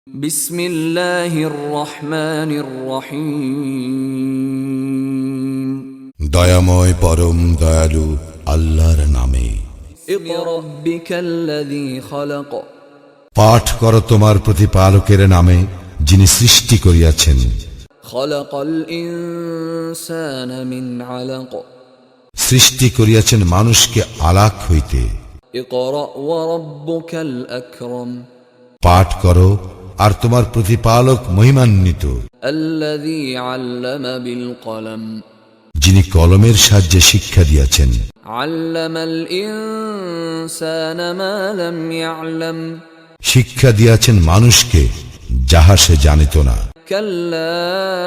বিসমিল্লাহির রহমানির রহিম। দয়াময় পরম দয়ালু আল্লাহর নামে। ইকরা বিকাল্লাযী খালাক। পাঠ করো তোমার প্রতিপালকের নামে, যিনি সৃষ্টি করিয়াছেন। খালাকাল ইনসানা মিন আলাক। সৃষ্টি করিয়াছেন মানুষকে আলাক হইতে। ইকরা ওয়া রাব্বুকাল আকরাম। পাঠ করো আর তোমার প্রতিপালক মহিমান্বিত, আল্লাযী আল্লামা বিল কলম। যিনি কলমের সাহায্যে শিক্ষা দিয়াছেন। আল্লামাল ইনসানা মা লাম ইয়ালাম। শিক্ষা দিয়াছেন মানুষকে যাহা সে জানিত না। কাল্লা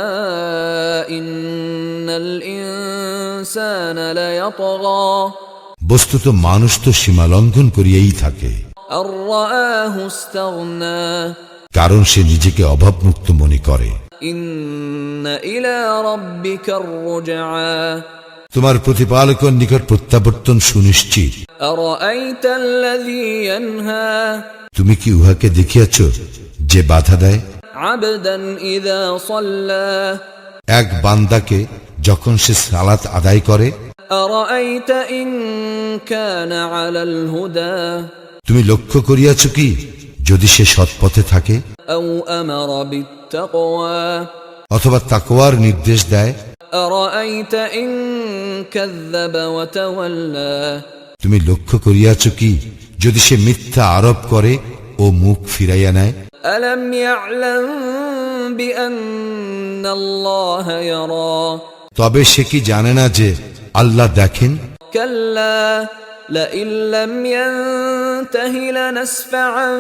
ইন্নাল ইনসানা লায়াতগা। বস্তুত মানুষ তো সীমা লঙ্ঘন করিয়াই থাকে, আর রাআহু ইসতাগনা। কারণ সে নিজেকে অভাবমুক্ত মনে করে। ইন্না ইলা রাব্বিকার রুজআ। তোমার প্রতিপালকের নিকট প্রত্যাবর্তন সুনিশ্চিত। আরাআইতাল্লাযী ইয়ানহা। তুমি কি উহাকে দেখিয়াছ যে বাধা দেয়? আবদান ইযা সাল্লা। এক বান্দাকে যখন সে সালাত আদায় করে। আরাআইতা ইন কানা আলাল হুদা। তুমি লক্ষ্য করিয়াছ কি যদি সে সৎপথে থাকে? আও আমারা বিত্তাকওয়া। অথবা তাকওয়ার নির্দেশ দেয়। আরাআইতা ইন কাযযাবা ওয়া তাওয়াল্লা। তুমি লক্ষ্য করিয়াছ কি যদি সে মিথ্যা আরোপ করে ও মুখ ফিরাইয়া নেয়? আলাম ইয়ালাম বিআন্নাল্লাহা ইয়ারা। তবে সে কি জানে না যে আল্লাহ দেখেন? কাল্লা লাইন লাম ইয়ানতাহি লানাসফাআন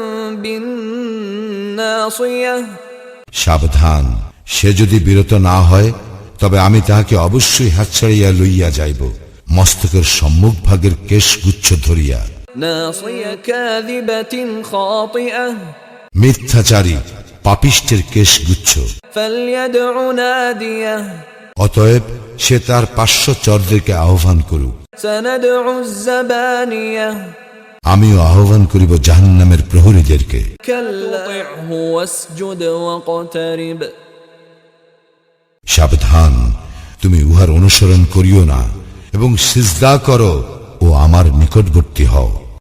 বিন্নাসিয়াহ। সাবধান, সে যদি বিরত না হয় তবে আমি তাহাকে অবশ্যই হাত ছাড়িয়া লইয়া যাইব, মস্তকের সম্মুখ ভাগের কেশগুচ্ছ ধরিয়া। নাসিয়া কাযিবাতিন খাতিআহ। মিথ্যাচারী পাপিষ্টের কেশগুচ্ছ। ফালইয়াদউ নাদিয়াহ। অতএব সে তার পার্শ্বচরদেরকে আহ্বান করুক। সানাদউ যাবানিয়াহ। আমিও আহ্বান করিব জাহান্নামের প্রহরীদেরকে। কাল্লা তুতি'হু ওয়াসজুদ ওয়াকতারিব। সাবধান, তুমি উহার অনুসরণ করিও না এবং সিজদা করো ও আমার নিকটবর্তী হও।